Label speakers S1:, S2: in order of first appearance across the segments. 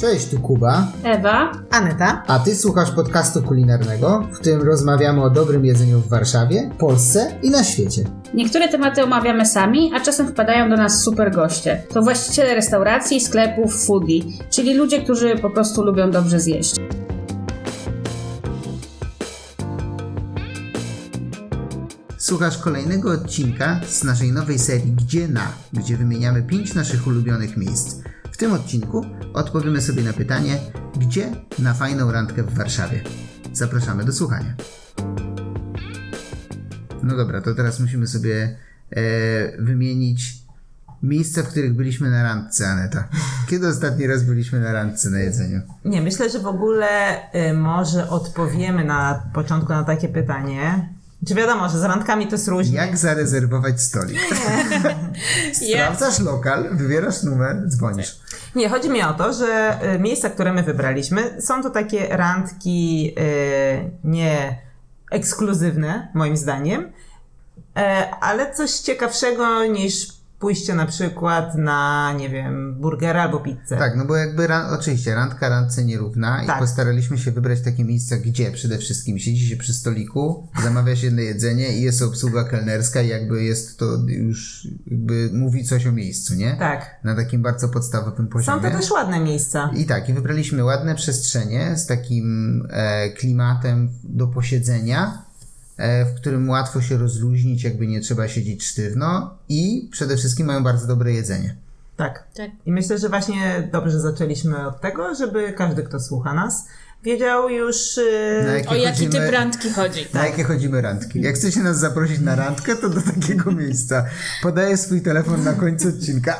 S1: Cześć, tu Kuba,
S2: Ewa,
S3: Aneta,
S1: a ty słuchasz podcastu kulinarnego, w którym rozmawiamy o dobrym jedzeniu w Warszawie, Polsce i na świecie.
S2: niektóre tematy omawiamy sami, a czasem wpadają do nas super goście. To właściciele restauracji, sklepów, foodie, czyli ludzie, którzy po prostu lubią dobrze zjeść.
S1: Słuchasz kolejnego odcinka z naszej nowej serii gdzie wymieniamy 5 naszych ulubionych miejsc. W tym odcinku odpowiemy sobie na pytanie, gdzie na fajną randkę w Warszawie. Zapraszamy do słuchania. No dobra, to teraz musimy sobie wymienić miejsca, w których byliśmy na randce, Aneta. Kiedy ostatni raz byliśmy na randce na jedzeniu?
S3: nie, myślę, że w ogóle może odpowiemy na początku na takie pytanie. Czy wiadomo, że z randkami to jest różnie?
S1: Jak zarezerwować stolik? Sprawdzasz lokal, wybierasz numer, dzwonisz.
S3: Nie, chodzi mi o to, że miejsca, które my wybraliśmy, są to takie randki nie ekskluzywne, moim zdaniem, ale coś ciekawszego niż pójście na przykład na, nie wiem, burgera albo pizzę.
S1: Tak, no bo jakby oczywiście randka randce nierówna
S3: Tak.
S1: i postaraliśmy się wybrać takie miejsca, gdzie przede wszystkim siedzi się przy stoliku, zamawia się jedno jedzenie i jest obsługa kelnerska i jakby jest to już, jakby mówi coś o miejscu, nie?
S3: Tak.
S1: Na takim bardzo podstawowym poziomie.
S3: Są to też ładne miejsca.
S1: I tak, i wybraliśmy ładne przestrzenie z takim klimatem do posiedzenia, w którym łatwo się rozluźnić, jakby nie trzeba siedzieć sztywno i przede wszystkim mają bardzo dobre jedzenie.
S3: Tak.
S2: Tak.
S3: I myślę, że właśnie dobrze zaczęliśmy od tego, żeby każdy, kto słucha nas, wiedział już...
S2: O jaki typ randki chodzi?
S1: Na jakie chodzimy randki. Jak chcecie nas zaprosić na randkę, to do takiego miejsca. Podaję swój telefon na końcu odcinka.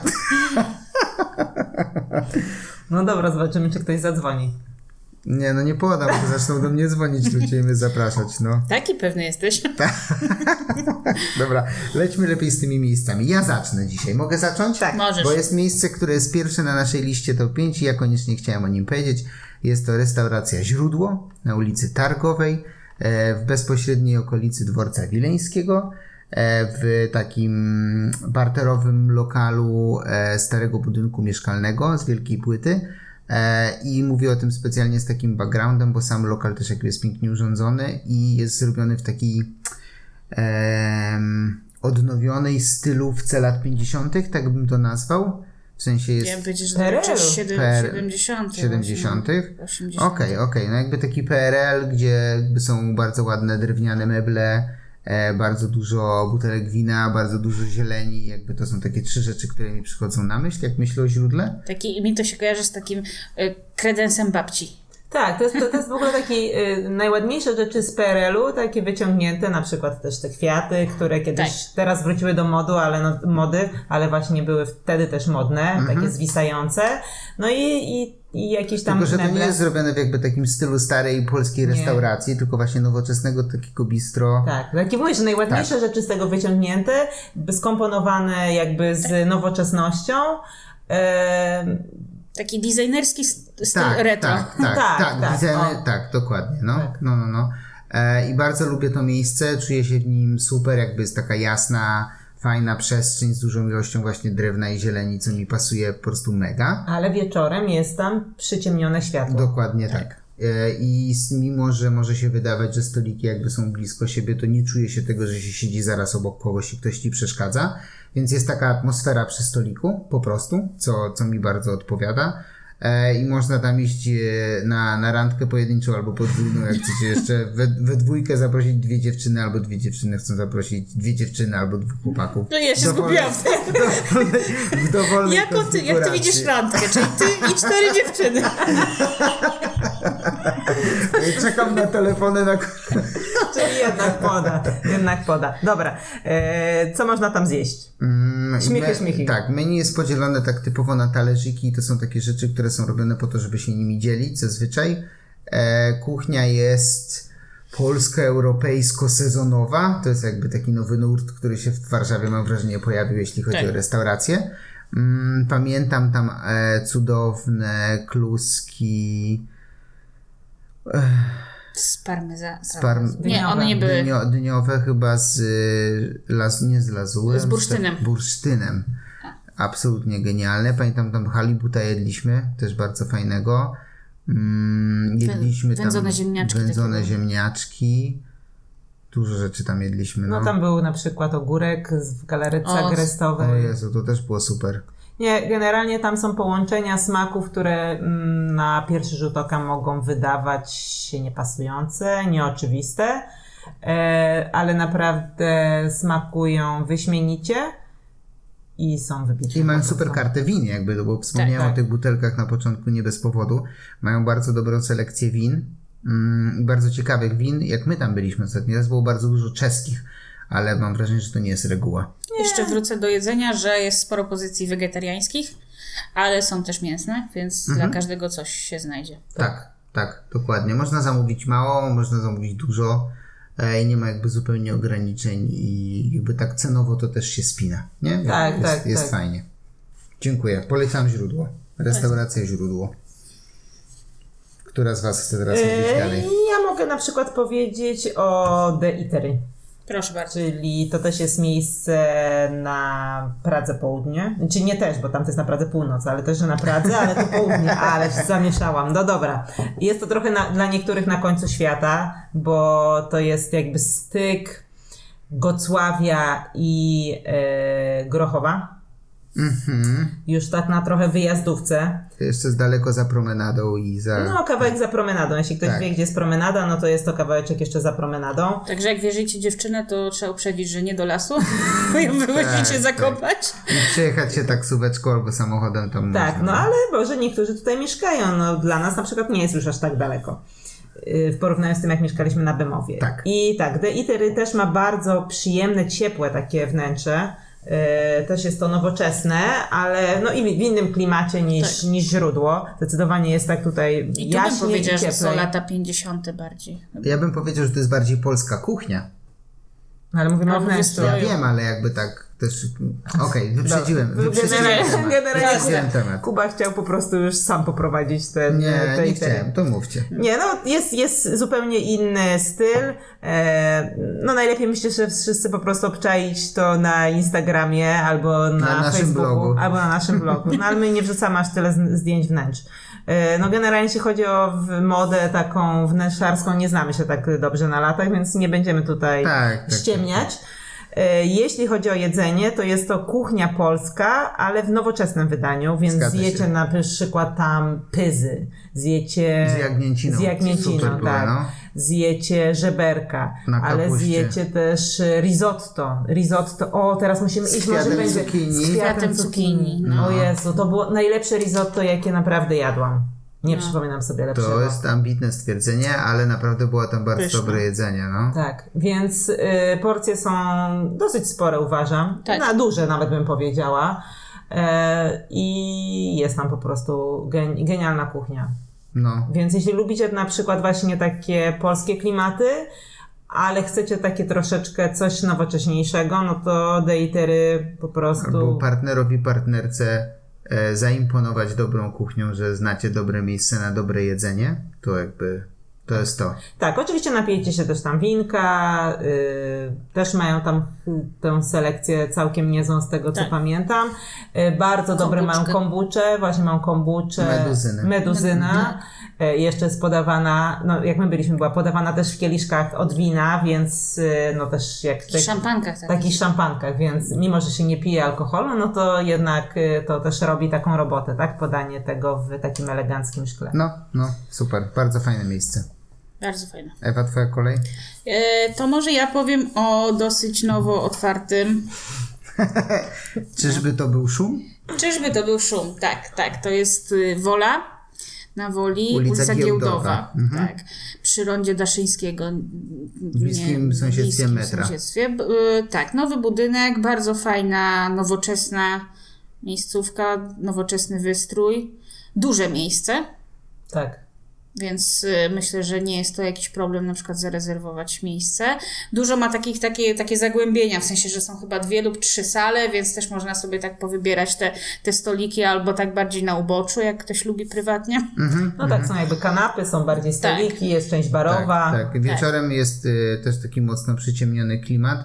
S3: No dobra, zobaczymy, czy ktoś zadzwoni.
S1: Nie, no nie podam, bo zaczną do mnie dzwonić ludzie i mnie zapraszać, no.
S2: Taki pewny jesteś?
S1: Dobra, lećmy lepiej z tymi miejscami. Ja zacznę dzisiaj. Mogę zacząć?
S3: Tak.
S2: Możesz.
S1: Bo jest miejsce, które jest pierwsze na naszej liście top 5 i ja koniecznie chciałem o nim powiedzieć. Jest to restauracja Źródło na ulicy Targowej, w bezpośredniej okolicy Dworca Wileńskiego, w takim parterowym lokalu starego budynku mieszkalnego z wielkiej płyty. I mówię o tym specjalnie z takim backgroundem, bo sam lokal też jakby jest pięknie urządzony i jest zrobiony w takiej odnowionej stylówce lat 50., tak bym to nazwał. W sensie jest...
S2: Ja bym powiedzieć, że
S3: PRL-u.
S2: to jest 70.
S1: 70.
S2: 80.
S1: Okej. No jakby taki PRL, gdzie jakby są bardzo ładne drewniane meble, bardzo dużo butelek wina, bardzo dużo zieleni. Jakby to są takie 3 rzeczy, które mi przychodzą na myśl, jak myślę o źródle.
S2: Mi to się kojarzy z takim kredensem babci.
S3: Tak, to jest w ogóle taki najładniejsze rzeczy z PRL-u, takie wyciągnięte, na przykład też te kwiaty, które kiedyś teraz wróciły do mody, ale właśnie były wtedy też modne, takie zwisające. No i jakieś tam
S1: Tylko, że to
S3: meble.
S1: nie jest zrobione w jakby takim stylu starej polskiej restauracji, tylko właśnie nowoczesnego takiego bistro.
S3: Tak, takie mówię, że najładniejsze rzeczy z tego wyciągnięte, skomponowane jakby z nowoczesnością.
S2: Taki designerski styl
S1: Tak,
S2: retro.
S1: tak, dokładnie, no.
S3: Tak.
S1: No. I bardzo lubię to miejsce, czuję się w nim super, jakby jest taka jasna, fajna przestrzeń z dużą ilością właśnie drewna i zieleni, co mi pasuje po prostu mega.
S3: Ale wieczorem jest tam przyciemnione światło.
S1: Dokładnie tak. I mimo, że może się wydawać, że stoliki jakby są blisko siebie, to nie czuje się tego, że się siedzi zaraz obok kogoś i ktoś ci przeszkadza. Więc jest taka atmosfera przy stoliku, po prostu, co mi bardzo odpowiada. I można tam iść na randkę pojedynczą albo podwójną, jak chcecie jeszcze we dwójkę zaprosić 2 dziewczyny, albo 2 dziewczyny chcą zaprosić 2 dziewczyny albo 2 chłopaków.
S2: No ja się zgubiłam.
S1: W dowolnej
S2: Jak ty
S1: konfiguracji.
S2: widzisz randkę? Czyli ty i 4 dziewczyny.
S1: Czekam na telefony na...
S3: Czyli jednak poda. Dobra, co można tam zjeść? Śmiechy.
S1: Tak, menu jest podzielone tak typowo na talerzyki i to są takie rzeczy, które są robione po to, żeby się nimi dzielić zazwyczaj. Kuchnia jest polsko-europejsko-sezonowa. To jest jakby taki nowy nurt, który się w Warszawie, mam wrażenie, pojawił, jeśli chodzi o restaurację. Pamiętam tam cudowne kluski...
S2: Z parmezanu.
S3: Nie,
S2: one nie były.
S1: Dyniowe chyba nie z lazurem.
S2: Z bursztynem.
S1: Bursztynem. absolutnie genialne. Pamiętam, tam halibuta jedliśmy, też bardzo fajnego. Jedliśmy
S2: Wędzone
S1: tam
S2: ziemniaczki
S1: wędzone
S2: takie.
S1: ziemniaczki. Dużo rzeczy tam jedliśmy.
S3: No tam był na przykład ogórek w galaretce
S2: O
S3: agrestowej.
S1: O Jezu, to też było super.
S3: Nie, generalnie tam są połączenia smaków, które na pierwszy rzut oka mogą wydawać się niepasujące, nieoczywiste, ale naprawdę smakują wyśmienicie i są wybitne.
S1: I mają
S3: po
S1: super
S3: prostu.
S1: kartę win, jakby, bo wspomniałem
S3: Tak, tak.
S1: o tych butelkach na początku nie bez powodu. Mają bardzo dobrą selekcję win i bardzo ciekawych win. Jak my tam byliśmy ostatni raz, było bardzo dużo czeskich, ale mam wrażenie, że to nie jest reguła.
S2: Jeszcze wrócę do jedzenia, że jest sporo pozycji wegetariańskich, ale są też mięsne, więc dla każdego coś się znajdzie.
S1: Tak, dokładnie. Można zamówić mało, można zamówić dużo i nie ma jakby zupełnie ograniczeń i jakby tak cenowo to też się spina, nie?
S3: Tak,
S1: jest
S3: tak.
S1: fajnie. Dziękuję. Polecam źródło. Restauracja źródło. Która z Was chce teraz mówić dalej?
S3: Ja mogę na przykład powiedzieć o The Eatery.
S2: Proszę bardzo.
S3: Czyli to też jest miejsce na Pradze Południe. Czy nie też, bo tam to jest na Pradze Północ, ale też, że na Pradze, ale to południe. Ale się zamieszałam. No dobra. Jest to trochę dla niektórych na końcu świata, bo to jest jakby styk Gocławia i Grochowa. Już tak na trochę wyjazdówce.
S1: Jeszcze jest daleko za promenadą i za...
S3: No, kawałek za promenadą. Jeśli ktoś
S1: Tak.
S3: wie, gdzie jest promenada, no to jest to kawałeczek jeszcze za promenadą.
S2: Także jak wierzycie dziewczynę, to trzeba uprzedzić, że nie do lasu, bo ją wywozicie
S1: tak.
S2: zakopać.
S1: I przejechać się taksóweczką albo samochodem tam
S3: Tak,
S1: można.
S3: no ale może niektórzy tutaj mieszkają. No dla nas na przykład nie jest już aż tak daleko. W porównaniu z tym, jak mieszkaliśmy na Bemowie.
S1: Tak.
S3: I tak, The Eatery też ma bardzo przyjemne, ciepłe takie wnętrze. Też jest to nowoczesne, ale no i w innym klimacie niż źródło. Zdecydowanie jest tak tutaj
S2: I tu bym
S3: jaśniej i
S2: powiedziała, że
S3: cieplej.
S2: są lata 50. bardziej.
S1: Ja bym powiedział, że to jest bardziej polska kuchnia.
S3: No, ale mówimy o
S2: Albo
S3: wnętrzu.
S2: wystroju.
S1: Ja wiem, ale jakby tak też... Okej, wyprzedziłem
S3: Generalnie
S1: temat.
S3: Kuba chciał po prostu już sam poprowadzić ten
S1: Nie
S3: tej
S1: chciałem, to mówcie.
S3: Nie, no jest zupełnie inny styl. No najlepiej myślę, że wszyscy po prostu obczaić to na Instagramie albo na
S1: naszym
S3: Facebooku,
S1: blogu.
S3: albo na naszym blogu. No ale my nie wrzucamy aż tyle zdjęć wnętrz. No generalnie jeśli chodzi o modę taką wnętrzarską, nie znamy się tak dobrze na latach, więc nie będziemy tutaj
S1: Tak.
S3: ściemniać. Jeśli chodzi o jedzenie, to jest to kuchnia polska, ale w nowoczesnym wydaniu, więc
S1: Zgadza się.
S3: zjecie na przykład tam pyzy, zjecie
S1: Z jagnięciną.
S3: z jagnięciną,
S1: Super było,
S3: tak.
S1: no.
S3: Zjecie żeberka,
S1: Na
S3: ale
S1: kapuście.
S3: zjecie też risotto. O, teraz musimy iść, może
S1: kwiatem
S3: będzie
S1: cukinii.
S3: z
S2: Kwiatem cukinii, no.
S3: O Jezu, to było najlepsze risotto, jakie naprawdę jadłam. Nie przypominam sobie lepszego.
S1: To jest ambitne stwierdzenie, ale naprawdę było tam bardzo
S2: Pyszne.
S1: dobre jedzenie, no.
S3: Tak, więc porcje są dosyć spore, uważam.
S2: Tak.
S3: Na duże nawet bym powiedziała. I jest tam po prostu genialna kuchnia.
S1: No.
S3: Więc jeśli lubicie na przykład właśnie takie polskie klimaty, ale chcecie takie troszeczkę coś nowocześniejszego, no to The Eatery po prostu...
S1: Albo partnerowi, partnerce zaimponować dobrą kuchnią, że znacie dobre miejsce na dobre jedzenie, to jakby to jest to.
S3: Tak, oczywiście napijecie się też tam winka, też mają tam tę selekcję całkiem niezłą z tego, co
S2: Tak.
S3: pamiętam. Bardzo dobre mają kombucze, właśnie mają kombucze. Meduzyna. Jeszcze jest podawana, no jak my byliśmy, była podawana też w kieliszkach od wina, więc no też jak...
S2: W szampankach.
S3: Takich szampankach, więc mimo, że się nie pije alkoholu, no to jednak to też robi taką robotę, tak? Podanie tego w takim eleganckim szkle.
S1: No, super. Bardzo fajne miejsce.
S2: Bardzo fajne.
S1: Ewa, twoja kolej?
S2: To może ja powiem o dosyć nowo otwartym.
S1: Czyżby to był szum?
S2: Czyżby to był szum? Tak. To jest Wola na Woli,
S1: Ulica
S2: Giełdowa.
S1: Mhm.
S2: Tak. Przy rondzie Daszyńskiego.
S1: W bliskim sąsiedztwie metra.
S2: Tak, nowy budynek, bardzo fajna, nowoczesna miejscówka, nowoczesny wystrój. Duże miejsce.
S3: Tak.
S2: Więc myślę, że nie jest to jakiś problem na przykład zarezerwować miejsce. Dużo ma takie zagłębienia, w sensie, że są chyba 2 lub 3 sale, więc też można sobie tak powybierać te stoliki albo tak bardziej na uboczu, jak ktoś lubi prywatnie.
S3: No tak, są jakby kanapy, są bardziej stoliki, jest część barowa.
S1: Tak. Wieczorem jest też taki mocno przyciemniony klimat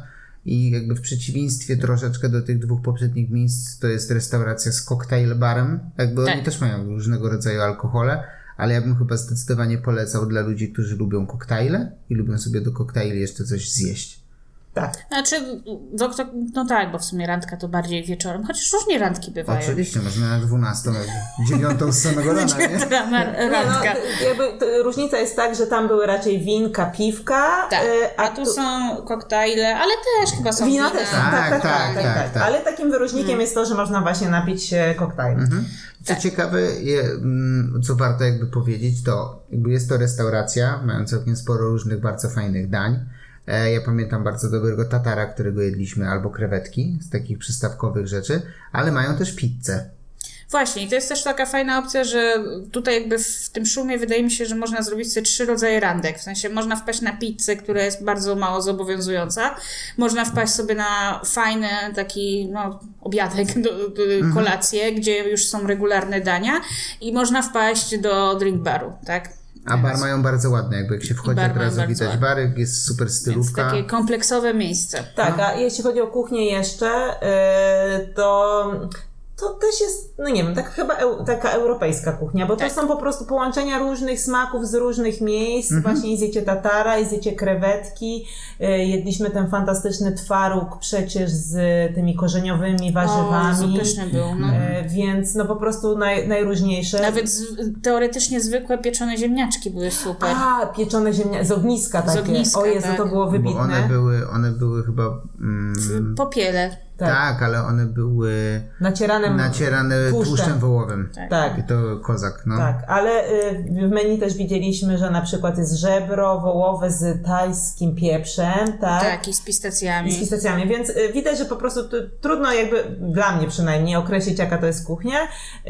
S1: i jakby w przeciwieństwie troszeczkę do tych 2 poprzednich miejsc to jest restauracja z cocktail barem. Jakby
S2: Tak.
S1: oni też mają różnego rodzaju alkohole, ale ja bym chyba zdecydowanie polecał dla ludzi, którzy lubią koktajle i lubią sobie do koktajli jeszcze coś zjeść.
S3: Tak.
S2: Znaczy, no tak, bo w sumie randka to bardziej wieczorem, chociaż różnie randki bywają.
S1: Oczywiście, można na 12, 9 z samego rana, nie?
S2: Randka.
S3: Różnica jest tak, że tam były raczej winka, piwka,
S2: Tak, a tu są koktajle, ale też chyba są
S3: wina
S2: wina.
S3: też.
S1: Tak.
S3: Ale takim wyróżnikiem jest to, że można właśnie napić się koktajlu.
S1: Co ciekawe, co warto jakby powiedzieć, to jakby jest to restauracja, mają całkiem sporo różnych bardzo fajnych dań. Ja pamiętam bardzo dobrego tatara, którego jedliśmy, albo krewetki z takich przystawkowych rzeczy, ale mają też pizzę.
S2: Właśnie, i to jest też taka fajna opcja, że tutaj jakby w tym szumie wydaje mi się, że można zrobić sobie 3 rodzaje randek. W sensie można wpaść na pizzę, która jest bardzo mało zobowiązująca. Można wpaść sobie na fajny taki obiadek, kolację, gdzie już są regularne dania i można wpaść do drink baru, tak?
S1: A bar mają bardzo ładny, jakby jak się wchodzi
S2: Bar
S1: od
S2: mają
S1: razu
S2: bardzo
S1: widać
S2: ładny.
S1: bary, jest super
S2: Więc
S1: stylówka.
S2: takie kompleksowe miejsce.
S3: Tak, a jeśli chodzi o kuchnię jeszcze, to też jest, no nie wiem, tak chyba taka europejska kuchnia, bo
S2: Tak.
S3: to są po prostu połączenia różnych smaków z różnych miejsc. Właśnie zjecie tatara, zjecie krewetki, jedliśmy ten fantastyczny twaróg przecież z tymi korzeniowymi warzywami.
S2: O, pyszny był. No.
S3: Więc no po prostu najróżniejsze.
S2: Nawet teoretycznie zwykłe pieczone ziemniaczki były super.
S3: A, pieczone z ogniska takie.
S2: ogniska,
S3: O Jezu,
S2: tak.
S3: to było
S1: Bo
S3: wybitne.
S1: one były chyba...
S2: Popiele.
S1: tak, ale one były nacierane tłuszczem wołowym.
S3: Tak.
S1: I to kozak, no.
S3: Tak, ale w menu też widzieliśmy, że na przykład jest żebro wołowe z tajskim pieprzem, tak?
S2: Tak, i z pistacjami.
S3: I z pistacjami, więc widać, że po prostu trudno jakby, dla mnie przynajmniej, określić jaka to jest kuchnia.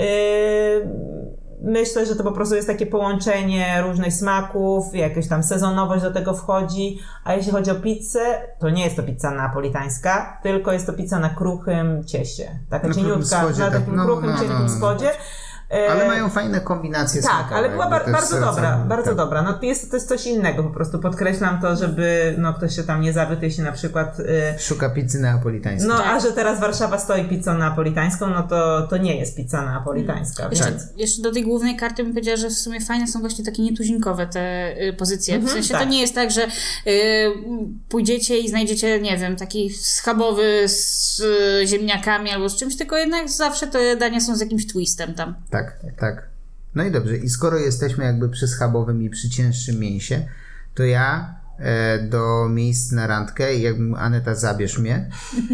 S3: Myślę, że to po prostu jest takie połączenie różnych smaków, jakaś tam sezonowość do tego wchodzi, a jeśli chodzi o pizzę, to nie jest to pizza napolitańska, tylko jest to pizza na kruchym cieście. Taka
S1: Na kruchym
S3: cieniutka,
S1: spodzie,
S3: na
S1: tak.
S3: takim kruchym, cienkim spodzie.
S1: Ale mają fajne kombinacje
S3: Tak,
S1: smakowe,
S3: ale była
S1: jakby też
S3: bardzo dobra,
S1: serca.
S3: bardzo
S1: Tak.
S3: dobra. No to jest coś innego, po prostu podkreślam to, żeby ktoś się tam nie zawiódł, jeśli na przykład
S1: Szuka pizzy neapolitańskiej.
S3: a że teraz Warszawa stoi pizzą neapolitańską, no to nie jest pizza neapolitańska.
S2: Jeszcze do tej głównej karty bym powiedziała, że w sumie fajne są właśnie takie nietuzinkowe te pozycje. W sensie
S3: tak.
S2: to nie jest tak, że pójdziecie i znajdziecie, nie wiem, taki schabowy z ziemniakami albo z czymś, tylko jednak zawsze te dania są z jakimś twistem tam.
S1: Tak. No i dobrze, i skoro jesteśmy jakby przy schabowym i przy cięższym mięsie, to ja do miejsc na randkę, jakbym Aneta zabierz mnie,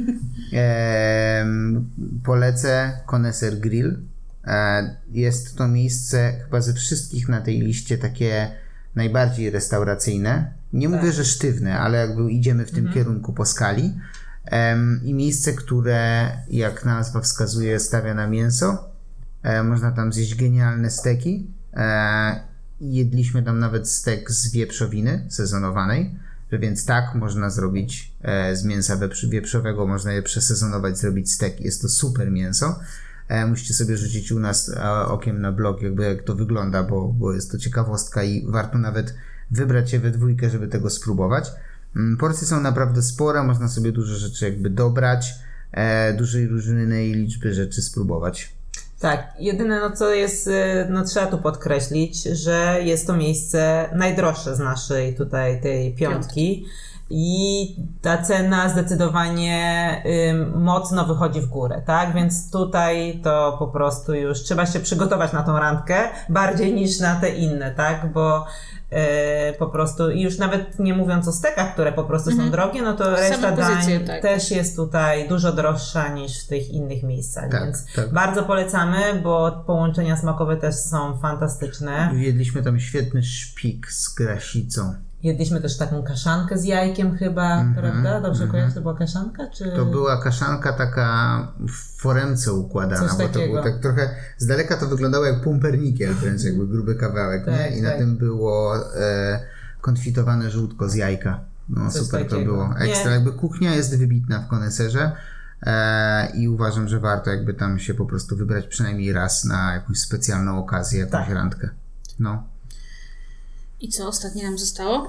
S1: polecę Koneser Grill. Jest to miejsce chyba ze wszystkich na tej liście takie najbardziej restauracyjne. Nie mówię, że sztywne, ale jakby idziemy w tym kierunku po skali. I miejsce, które jak nazwa wskazuje, stawia na mięso. Można tam zjeść genialne steki. Jedliśmy tam nawet stek z wieprzowiny sezonowanej, że więc tak można zrobić z mięsa wieprzowego, można je przesezonować, zrobić stek. Jest to super mięso. Musicie sobie rzucić u nas okiem na blog, jakby jak to wygląda, bo jest to ciekawostka i warto nawet wybrać się we dwójkę, żeby tego spróbować. Porcje są naprawdę spore, można sobie dużo rzeczy jakby dobrać, dużej różnej liczby rzeczy spróbować.
S3: Tak, jedyne co jest, trzeba tu podkreślić, że jest to miejsce najdroższe z naszej tutaj tej piątki i ta cena zdecydowanie mocno wychodzi w górę, tak? Więc tutaj to po prostu już trzeba się przygotować na tą randkę bardziej niż na te inne, tak? Bo po prostu i już nawet nie mówiąc o stekach, które po prostu są drogie, no to reszta
S2: pozycje,
S3: dań
S2: tak.
S3: też jest tutaj dużo droższa niż w tych innych miejscach,
S1: Tak,
S3: więc
S1: tak.
S3: bardzo polecamy, bo połączenia smakowe też są fantastyczne.
S1: Jedliśmy tam świetny szpik z grasicą.
S3: Jedliśmy też taką kaszankę z jajkiem chyba, prawda? Dobrze kojarzę, to była kaszanka? Czy...
S1: To była kaszanka taka w foremce układana,
S3: Coś
S1: bo to
S3: takiego.
S1: było tak trochę, z daleka to wyglądało jak pumpernikiel, wręcz jakby gruby kawałek,
S3: Tak,
S1: nie? I na
S3: tak.
S1: tym było konfitowane żółtko z jajka. No
S3: Coś
S1: super
S3: takiego.
S1: to było. Ekstra,
S3: Nie.
S1: jakby kuchnia jest wybitna w Koneserze i uważam, że warto jakby tam się po prostu wybrać przynajmniej raz na jakąś specjalną okazję, jakąś
S3: Tak.
S1: randkę. No.
S2: I co ostatnie nam zostało?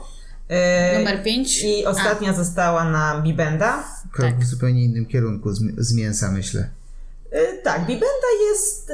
S2: Numer 5.
S3: I ostatnia została na Bibenda.
S1: Krok
S2: Tak.
S1: w zupełnie innym kierunku z mięsa, myślę.
S3: Tak, Bibenda jest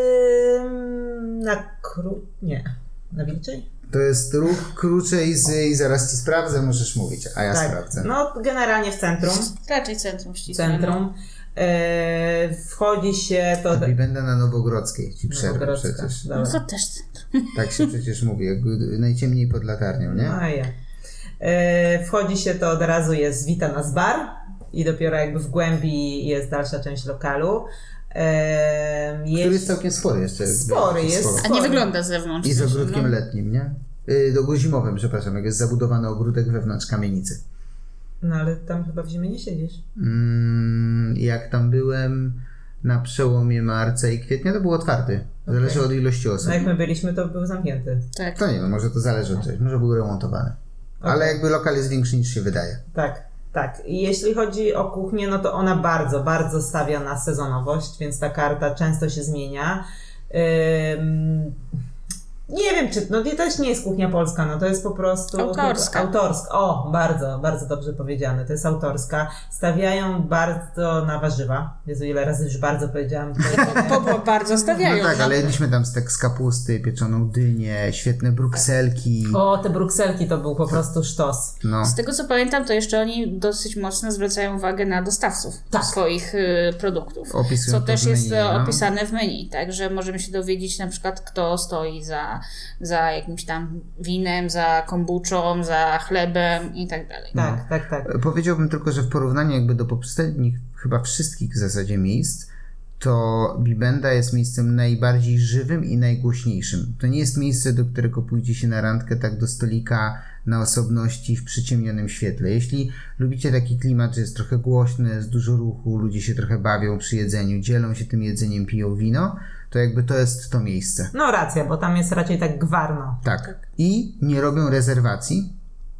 S3: na wilczej?
S1: To jest ruch krócej i zaraz ci sprawdzę, możesz mówić, a ja
S3: Tak,
S1: sprawdzę.
S3: no generalnie w centrum.
S2: Raczej centrum ścisłe.
S3: Centrum. Wchodzi się to...
S1: Bibenda na Nowogrodzkiej, ci przerwę
S3: Nowogrodzka,
S1: przecież.
S3: dobra.
S2: No to też centrum.
S1: Tak się przecież mówi, jak najciemniej pod latarnią, nie?
S3: No ja. Wchodzi się to od razu jest Wita nas bar i dopiero jakby w głębi jest dalsza część lokalu.
S1: Który jest całkiem spory jeszcze.
S3: Spory jest.
S2: A nie wygląda z zewnątrz.
S1: I z
S2: w sensie,
S1: ogródkiem
S2: no.
S1: letnim, nie? Zimowym, przepraszam, jak jest zabudowany ogródek wewnątrz kamienicy.
S3: No ale tam chyba w zimie nie siedzisz.
S1: Jak tam byłem na przełomie marca i kwietnia, to był otwarty. Zależy od ilości osób.
S3: No jak my byliśmy, to był zamknięty.
S2: Tak.
S1: To nie wiem, może to zależy od czegoś, może był remontowany. Ale jakby lokal jest większy niż się wydaje.
S3: Tak. I jeśli chodzi o kuchnię, no to ona bardzo, bardzo stawia na sezonowość, więc ta karta często się zmienia. Nie wiem, czy to też nie jest kuchnia polska, no to jest po prostu
S2: Autorska.
S3: O, bardzo, bardzo dobrze powiedziane. To jest autorska. Stawiają bardzo na warzywa. Jezu, ile razy już bardzo powiedziałam.
S2: Bo bardzo stawiają.
S1: No tak, ale jedliśmy tam stek z kapusty, pieczoną dynię, świetne brukselki.
S3: O, te brukselki to był po prostu sztos.
S1: No.
S2: Z tego co pamiętam, to jeszcze oni dosyć mocno zwracają uwagę na dostawców swoich produktów.
S1: Opisują
S2: Co
S1: to
S2: też
S1: w
S2: jest
S1: menu, no.
S2: opisane w menu, także możemy się dowiedzieć na przykład, kto stoi za jakimś tam winem, za kombuczą, za chlebem i tak dalej.
S3: Tak.
S1: Powiedziałbym tylko, że w porównaniu jakby do poprzednich chyba wszystkich w zasadzie miejsc, to Bibenda jest miejscem najbardziej żywym i najgłośniejszym. To nie jest miejsce, do którego pójdzie się na randkę tak do stolika na osobności w przyciemnionym świetle. Jeśli lubicie taki klimat, że jest trochę głośny, jest dużo ruchu, ludzie się trochę bawią przy jedzeniu, dzielą się tym jedzeniem, piją wino, to jakby to jest to miejsce.
S3: No racja, bo tam jest raczej tak gwarno.
S1: Tak. I nie robią rezerwacji.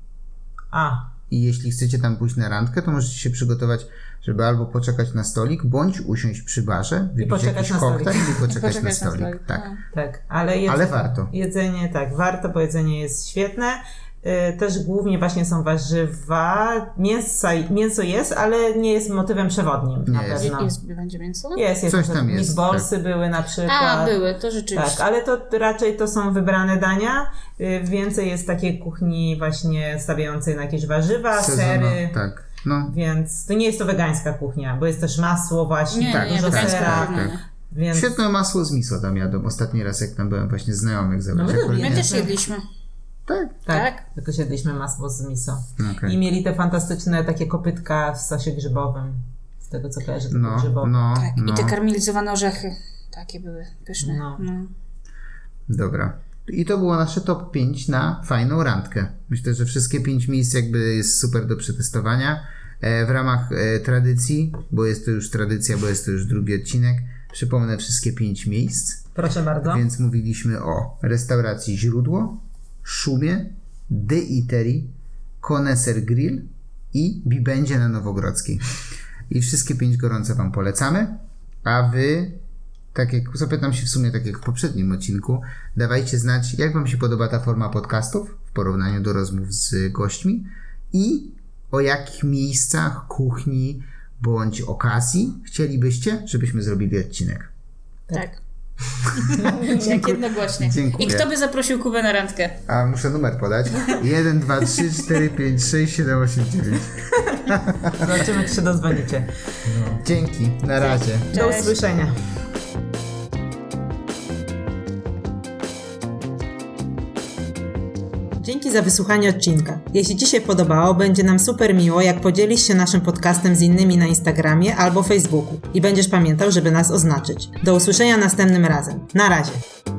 S1: I jeśli chcecie tam pójść na randkę, to możecie się przygotować, żeby albo poczekać na stolik, bądź usiąść przy barze, wypić jakiś koktajl i poczekać na stolik. Tak. Ale warto.
S3: Jedzenie, tak, warto, bo jedzenie jest świetne. Też głównie właśnie są warzywa. Mięso jest, ale nie jest motywem przewodnim.
S1: Nie
S3: na
S1: jest.
S3: pewno.
S2: Będzie mięso?
S3: Jest.
S1: Coś tam jest.
S3: Meatballsy były na przykład.
S2: Były, to rzeczywiście.
S3: Tak, ale to raczej to są wybrane dania. Więcej jest takiej kuchni właśnie stawiającej na jakieś warzywa, sery.
S1: Tak. No.
S3: Więc to nie jest to wegańska kuchnia, bo jest też masło właśnie,
S2: Nie,
S3: dużo
S2: wegańska
S3: sera.
S2: kuchnia.
S3: Więc...
S1: Świetne masło z miso tam jadą. Ostatni raz jak tam byłem, właśnie znajomych zabrać.
S2: My też jedliśmy.
S1: Tak.
S3: Tylko siedliśmy masło z miso.
S1: Okay.
S3: I mieli te fantastyczne takie kopytka w sosie grzybowym. Z tego co kojarzę, to grzybowe.
S2: I te karmelizowane orzechy. Takie były pyszne. No.
S1: Dobra. I to było nasze top 5 na fajną randkę. Myślę, że wszystkie 5 miejsc jakby jest super do przetestowania. W ramach tradycji, bo jest to już tradycja, bo jest to już drugi odcinek, przypomnę wszystkie 5 miejsc.
S3: Proszę bardzo.
S1: Więc mówiliśmy o restauracji Źródło, Szumie, The Eatery, Koneser Grill i Bibendzie na Nowogrodzkiej. I wszystkie 5 gorąco Wam polecamy, a Wy, tak jak zapytam się w sumie, tak jak w poprzednim odcinku, dawajcie znać, jak Wam się podoba ta forma podcastów w porównaniu do rozmów z gośćmi i o jakich miejscach, kuchni bądź okazji chcielibyście, żebyśmy zrobili odcinek.
S2: Tak. Jak jednogłośnie.
S1: Dziękuję.
S2: I kto by zaprosił Kubę na randkę?
S1: A muszę numer podać. 1, 2, 3, 4, 5, 6, 7, 8, 9.
S3: Zobaczymy, czy się dozwonicie.
S1: Dzięki, na razie.
S3: Do usłyszenia. Dzięki za wysłuchanie odcinka. Jeśli Ci się podobało, będzie nam super miło, jak podzielisz się naszym podcastem z innymi na Instagramie albo Facebooku i będziesz pamiętał, żeby nas oznaczyć. Do usłyszenia następnym razem. Na razie.